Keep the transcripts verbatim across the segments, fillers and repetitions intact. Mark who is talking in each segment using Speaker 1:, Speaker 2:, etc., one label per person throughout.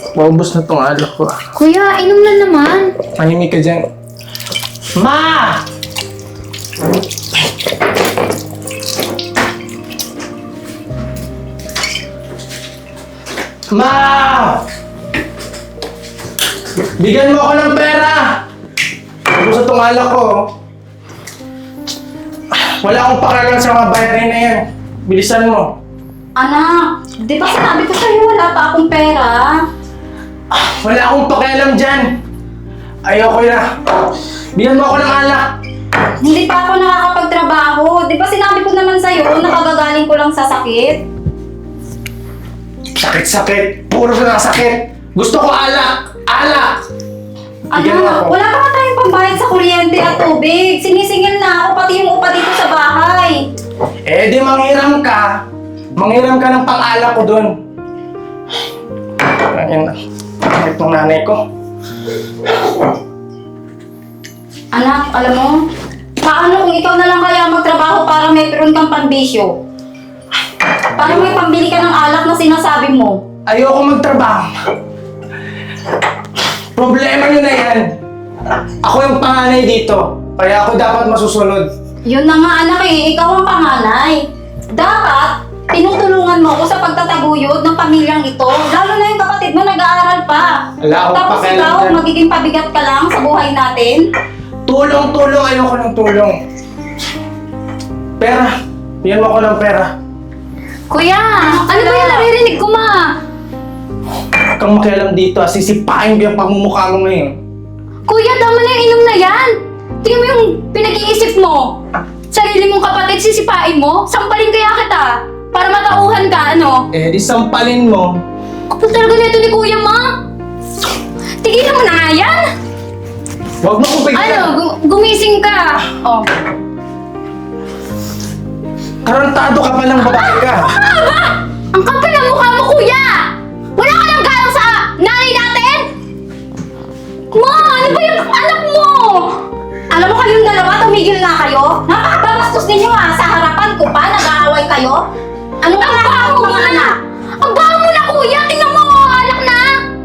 Speaker 1: Maubos na tong alak ko.
Speaker 2: Kuya, inom na naman.
Speaker 1: Mahimik ka dyan. Ma! Ma! Bigyan mo ako ng pera! Maubos na tong alak ko. Wala akong pakialam sa mga bayarin na yan. Bilisan mo.
Speaker 3: Anak, di ba sinabi ko sa'yo wala pa akong pera?
Speaker 1: Wala akong pakialam dyan. Ayoko na. Bigyan mo ako ng alak.
Speaker 3: Hindi pa ako nakakapagtrabaho. Di ba sinabi ko naman sa'yo, nakagagaling ko lang sa sakit?
Speaker 1: Sakit-sakit. Puro na sakit. Gusto ko alak. Alak! Bigyan mo ako.
Speaker 3: Anak, wala pa nga tayong pambayad sa kuryente at tubig. Sinisingil na ako, pati yung upa dito sa bahay.
Speaker 1: Eh di manghiram ka. Manghiram ka ng pang-alak ko dun. Ayan na. Bakit ng nanay ko?
Speaker 3: Anak, alam mo, paano kung ikaw na lang kaya magtrabaho para may peron kang pambisyo? Paano may pambili ka ng alak na sinasabi mo?
Speaker 1: Ayoko magtrabaho. Problema nyo na yan. Ako yung panganay dito. Kaya ako dapat masusunod.
Speaker 3: Yun na nga anak eh, ikaw ang panganay. Dapat, tinutulungan mo ako sa pagtataguyod ng pamilyang ito. Lalo na yung kapatid mo nag-aaral pa.
Speaker 1: Wala akong
Speaker 3: Tapos
Speaker 1: pakialam
Speaker 3: ikaw,
Speaker 1: dyan.
Speaker 3: magiging pabigat ka lang sa buhay natin.
Speaker 1: Tulong-tulong. Ayoko ng tulong. Pera. Bigyan mo ako ng pera.
Speaker 2: Kuya, ano ba yung naririnig ko, ma?
Speaker 1: Huwag kang makialam dito. ah. Sisipain ko yung pagmumukha mo ngayon.
Speaker 2: Kuya, tama na yung inom na yan. Tingnan mo yung pinag-iisip mo. Sarili mong kapatid, sisipain mo. Sampalin kaya kita. Para matauhan ka, ano?
Speaker 1: Eh di sampalin mo.
Speaker 2: Kapag talaga nito ni Kuya, ma. Tigilan mo na nga yan.
Speaker 1: Huwag mo kong
Speaker 2: Ano,
Speaker 1: bigyan.
Speaker 2: gu- gumising ka. Oh.
Speaker 1: Karantado ka pa ng babae ka.
Speaker 2: Ah, ba? Ang kapal ng mukha mo, Kuya! Wala ka lang galang sa nanay natin? Ma, ano ba yung anak mo?
Speaker 3: Alam mo kayong dalawa, tumigil na kayo? Napakabastos ninyo ha, sa harapan ko pa, nag-aaway kayo? Anong
Speaker 2: Ang
Speaker 3: klase
Speaker 2: baho
Speaker 3: ng
Speaker 2: mo
Speaker 3: mga
Speaker 2: na!
Speaker 3: anak?
Speaker 2: Ang baho mo na, Kuya! Tingnan mo, alak na!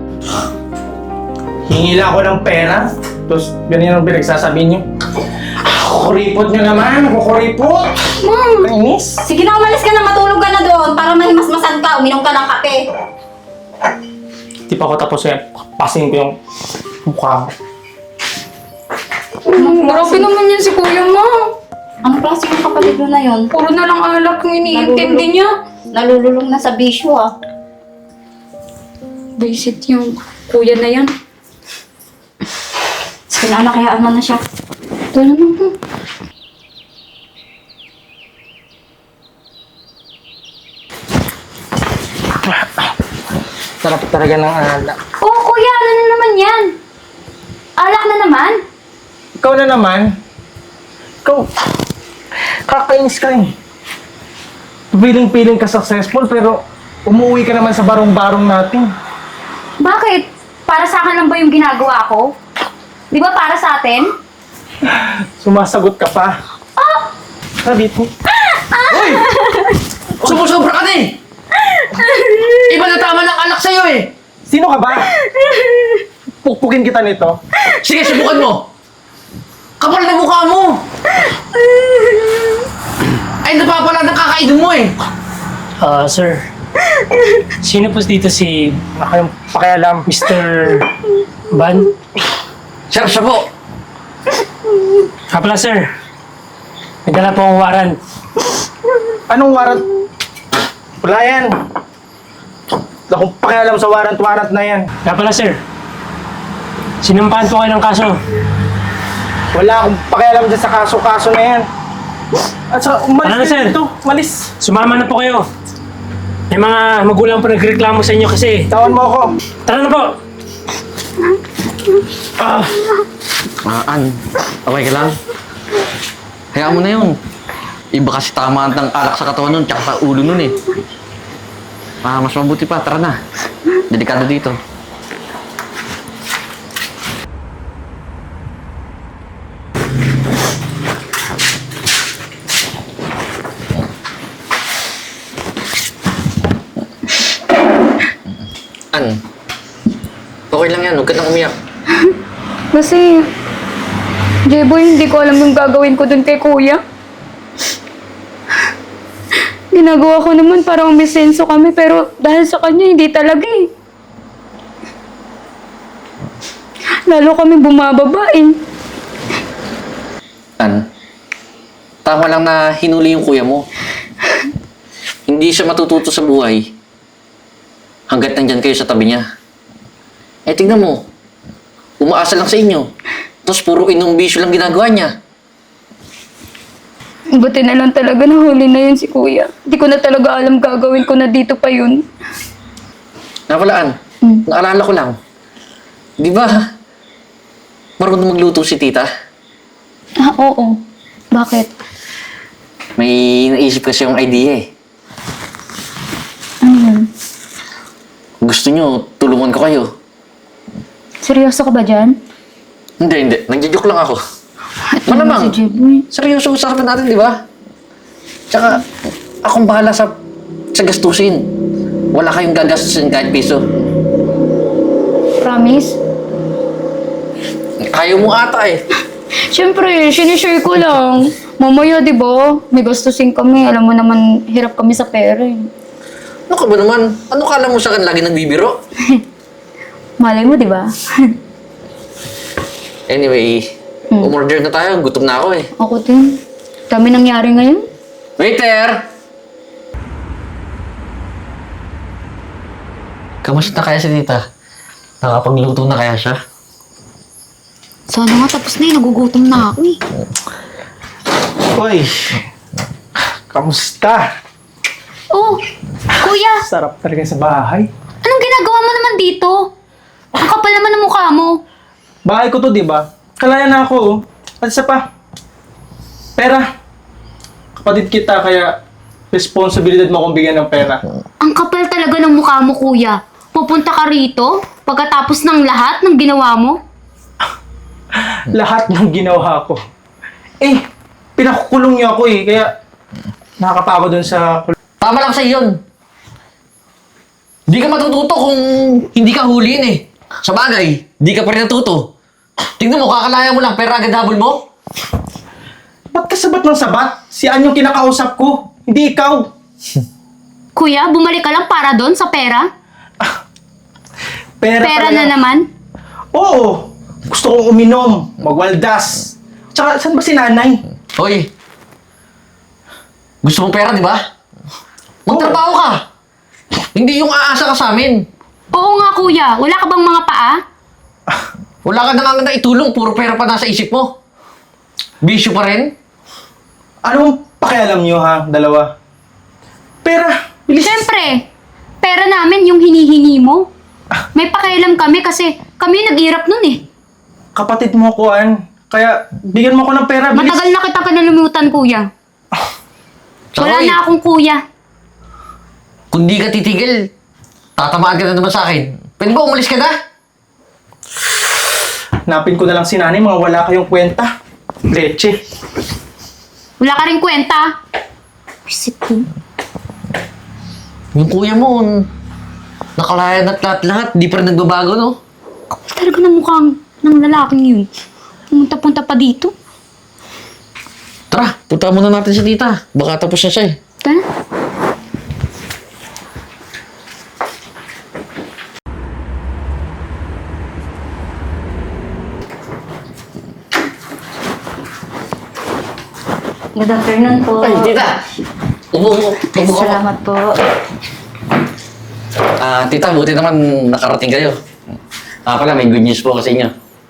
Speaker 1: Hingi lang ako ng pera. Tapos ganyan ang pinagsasabihin niyo. Kukuripot niyo naman. Kukuripot.
Speaker 2: Ma'am!
Speaker 1: Kainis.
Speaker 3: Sige na, umalis ka na, matulog ka na doon para mahimasmasan ka, uminom ka ng kape.
Speaker 1: Di pa ako tapos yan. Pasin ko yung mukha mo.
Speaker 2: Grabe naman yan si Kuya, ma.
Speaker 3: Anong klase ng kapatid mo na yun?
Speaker 2: Puro na lang alak yung iniintindi niya.
Speaker 3: Nalululong na sa bisyo ah.
Speaker 2: Visit yung Kuya na yan.
Speaker 3: Sige na, anak, hayaan mo na siya.
Speaker 2: Ito naman po.
Speaker 1: Sarap talaga ng alak.
Speaker 2: Oh, Kuya, ano na naman yan? Alak na naman?
Speaker 1: Ikaw na naman. Ikaw. Kakainis ka eh. Piling-piling ka successful pero umuwi ka naman sa barong-barong natin.
Speaker 2: Bakit? Para sa akin lang ba yung ginagawa ko? Di ba para sa atin?
Speaker 1: Sumasagot ka pa.
Speaker 2: Ah!
Speaker 1: Sabi mo.
Speaker 4: Uy! Sumusobra ka na eh! Iba na tama ng alak sa'yo eh!
Speaker 1: Sino ka ba? Pukpukin kita nito.
Speaker 4: Sige, subukan mo! Kapal na mukha mo! Ay, napapala ng kakainom mo eh!
Speaker 5: Ah, sir. Sino po dito si
Speaker 1: Ako yung pakialam.
Speaker 5: mister Van?
Speaker 4: Sir, siya po!
Speaker 5: Kapala, sir. Nagdala po ang warrant.
Speaker 1: Anong warrant? Wala yan. Wala akong pakialam sa warrant-warrant na yan.
Speaker 5: Kapala, sir. Sinampahan po kayo ng kaso.
Speaker 1: Wala akong pakialam dyan sa kaso-kaso na yan. At saka, umalis
Speaker 5: Ano na,
Speaker 1: ka
Speaker 5: sir?
Speaker 1: dito. Umalis.
Speaker 5: Sumama na po kayo. May mga magulang po nagreklamo sa inyo kasi.
Speaker 1: Tawan mo ako.
Speaker 5: Tara na po! Ah,
Speaker 4: Ah, An, okay ka lang? Hayaan mo na yun. Iba kasi tamaan ng alak sa katawan nun, tsaka sa ulo nun eh. Ah, mas mabuti pa, tara na. Delikado dito. An, Okay lang yan, huwag ka nang umiyak.
Speaker 2: Kasi, J-Boy, hindi ko alam yung gagawin ko dun kay kuya. Ginagawa ko naman para umisenso kami, pero dahil sa kanya, hindi talaga eh. Lalo kami bumababa eh.
Speaker 4: An, tama lang na hinuli yung kuya mo. Hindi siya matututo sa buhay hanggat nandyan kayo sa tabi niya. Eh, tingnan mo. Umaasa lang sa inyo. Tapos puro inom bisyo lang ginagawa niya.
Speaker 2: Buti na lang talaga nahuli na yun si kuya. Hindi ko na talaga alam gagawin ko na dito pa yun.
Speaker 4: Napalaan,
Speaker 2: Hmm.
Speaker 4: naalala ko lang. Di ba, marunong magluto si tita?
Speaker 2: Ah, oo. Bakit?
Speaker 4: May naisip kasi yung idea eh.
Speaker 2: Ano yun?
Speaker 4: Gusto nyo, tulungan ko kayo.
Speaker 2: Seryoso ka ba dyan?
Speaker 4: Hindi, hindi. Nagja-joke lang ako.
Speaker 2: At
Speaker 4: Malamang.
Speaker 2: Si J-Boy.
Speaker 4: Seryoso usapan natin, di ba? Tsaka, akong bahala sa, sa gastusin. Wala kayong gagastusin kahit piso.
Speaker 2: Promise?
Speaker 4: Ayaw mo ata eh.
Speaker 2: Siyempre, sinishare ko lang. Mamaya, di ba? May gastusin kami. Alam mo naman, hirap kami sa pera eh.
Speaker 4: Ano ka ba naman? Ano kala mo sa akin lagi nagbibiro?
Speaker 2: Malay mo, di ba?
Speaker 4: Anyway,
Speaker 2: Hmm.
Speaker 4: umorder na tayo. Gutom na ako eh.
Speaker 2: Ako din. Dami nangyari ngayon.
Speaker 4: Waiter! Kamusta kaya si tita? Nakapagluto na kaya siya?
Speaker 3: Sana nga tapos na eh, nagugutom na ako eh.
Speaker 1: Uy, kamusta?
Speaker 2: Oh, kuya!
Speaker 1: Sarap talaga sa bahay.
Speaker 2: Anong ginagawa mo naman dito? Ang kapal naman ng mukha mo.
Speaker 1: Bahay ko to, di ba? Kalaya na ako, oh. At isa pa, pera. Kapatid kita, kaya responsibilidad mo akong bigyan ng pera.
Speaker 2: Ang kapal talaga ng mukha mo, kuya. Pupunta ka rito pagkatapos ng lahat ng ginawa mo?
Speaker 1: Lahat ng ginawa ko. Eh, pinakukulong niyo ako eh, kaya nakakapagod dun sa...
Speaker 4: Tama lang sa yun. Di ka matututo kung hindi ka huliin eh. Sa bagay, di ka pa rin natuto. Tingnan mo, kakalaya mo lang, pero agad habol mo.
Speaker 1: Ba't ka sabat ng sabat? Si Ann yung kinakausap ko, hindi ikaw.
Speaker 2: Kuya, bumalik ka lang para doon sa pera?
Speaker 1: Pera,
Speaker 2: Pera
Speaker 1: talaga.
Speaker 2: na naman?
Speaker 1: Oo, gusto kong uminom, magwaldas. Tsaka, saan ba si nanay?
Speaker 4: Hoy, gusto mong pera, di ba? Magtrabaho ka. Hindi yung aasa ka sa amin.
Speaker 2: Oo nga, kuya. Wala ka bang mga paa?
Speaker 4: Wala ka na nga na itulong, puro pera pa nasa isip mo. Bisyo pa rin.
Speaker 1: Anong pakialam niyo ha, dalawa? Pera, bilis.
Speaker 2: Siyempre, pera namin yung hinihingi mo. May pakialam kami kasi kami nag-irap nun eh.
Speaker 1: Kapatid mo ko, Ann. Kaya, bigyan mo ko ng pera, bilis.
Speaker 2: Matagal na kita kinalimutan, kuya.
Speaker 4: Tsaka,
Speaker 2: Wala
Speaker 4: hoy,
Speaker 2: na akong kuya.
Speaker 4: kung di ka titigil, tatamaan ka na naman sa akin. Pwede ba umalis ka na?
Speaker 1: Napin ko na lang si nanay, mga wala kayong kwenta. Leche.
Speaker 2: Wala ka rin kwenta. Visit ko.
Speaker 4: Yung kuya mo, nakalayan at lahat-lahat, di pa rin nagbabago, no?
Speaker 2: Kapal talaga ng mukhang ng lalaking yun. Pumunta-punta pa dito.
Speaker 4: Tara, punta muna natin sa tita. Baka tapos na siya eh.
Speaker 2: Tara.
Speaker 3: Good afternoon po.
Speaker 4: Ay, tita! Upo, upo. Upo ka.
Speaker 3: Salamat po.
Speaker 4: Ah, tita, buti naman nakarating kayo. Ah, pala, may good news po kasi inyo.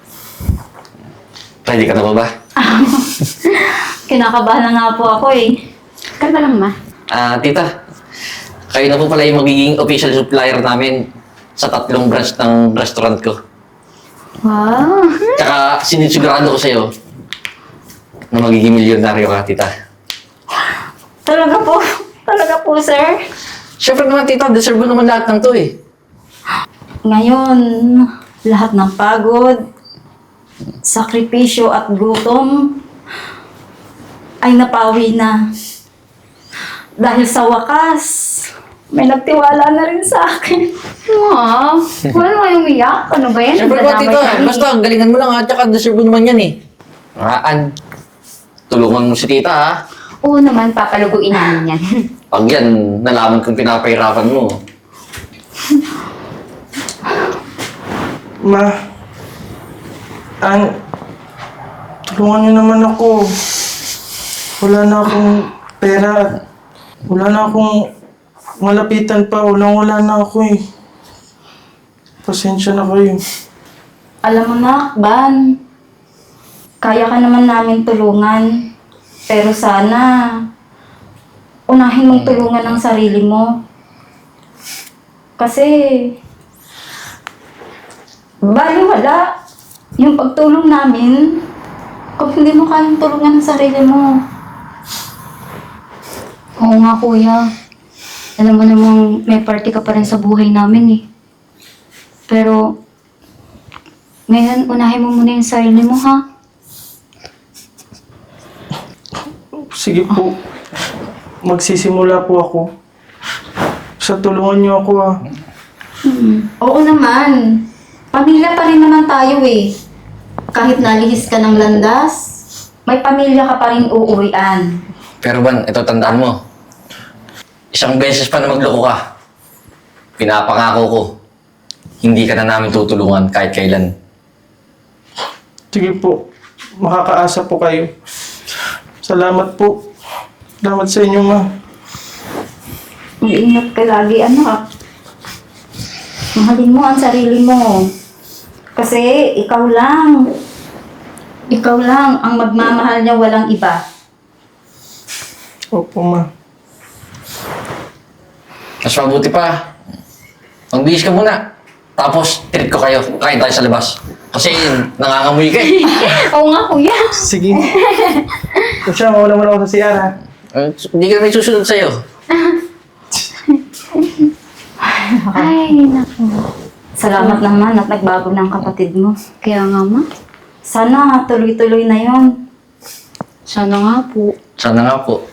Speaker 4: Ready ka na ba ba?
Speaker 3: Kinakabahan na nga po ako eh.
Speaker 2: Kalma lang, ma.
Speaker 4: Ah, tita, kayo na po pala yung magiging official supplier namin sa tatlong branch ng restaurant ko.
Speaker 3: Wow.
Speaker 4: Tsaka, sinisigurado ko sa'yo na magiging milyonaryo ka, tita.
Speaker 3: Talaga po. Talaga po, sir.
Speaker 4: Siyempre naman, tita, deserve mo naman lahat ng to eh.
Speaker 3: Ngayon, lahat ng pagod, sakripisyo at gutom ay napawi na. Dahil sa wakas, May nagtiwala na rin sa akin.
Speaker 2: Wow, wala nga umiyak. Ano ba yan?
Speaker 4: Siyempre ba,
Speaker 2: Nadadamay
Speaker 4: tita?
Speaker 2: kami.
Speaker 4: Basta, galingan mo lang ha. Tsaka deserve mo naman yan eh. Ah, An, tulungan mo si tita ha.
Speaker 2: Oo naman, papaluguin namin yan.
Speaker 4: Pag yan, nalaman kong pinapahirapan mo.
Speaker 1: Ma, An, tulungan niyo naman ako. Wala na akong pera at wala na akong malapitan pa. Walang wala na ako eh. Pasensya na kayo.
Speaker 3: Alam mo na, Ban, kaya ka naman namin tulungan. Pero sana, unahin mong tulungan ang sarili mo. Kasi, baliwala yung pagtulong namin kung hindi mo kayang tulungan ang sarili mo.
Speaker 2: Oo nga, kuya. Alam mo namang may party ka pa rin sa buhay namin eh. Pero, ngayon, unahin mo muna yung sarili mo, ha?
Speaker 1: Sige po. Magsisimula po ako. Sa tulungan niyo ako ah.
Speaker 3: Oo naman. Pamilya pa rin naman tayo eh. Kahit nalihis ka ng landas, may pamilya ka pa rin uuwian.
Speaker 4: Pero Ban, ito tandaan mo. Isang beses pa na magloko ka. Pinapangako ko, hindi ka na namin tutulungan kahit kailan.
Speaker 1: Sige po. Makakaasa po kayo. Salamat po. Salamat sa inyo, ma.
Speaker 3: Mag-ingat ka lagi, anak. Mahalin mo ang sarili mo. Kasi ikaw lang. Ikaw lang ang magmamahal niya, walang iba.
Speaker 1: Opo, ma.
Speaker 4: Mas mabuti pa, magbihis ka muna. Tapos, treat ko kayo. Kain tayo sa labas. Kasi nangangamoy ka eh.
Speaker 2: Oo nga, kuya.
Speaker 1: Sige. Siya, mawala mo na ako sa C R ha.
Speaker 4: Eh, Hindi ka naman susunod sa'yo.
Speaker 2: Ay, naku.
Speaker 3: Salamat naman at nagbago ng kapatid mo.
Speaker 2: Kaya nga, ma.
Speaker 3: Sana tuloy-tuloy na yon.
Speaker 2: Sana nga po.
Speaker 4: Sana nga po.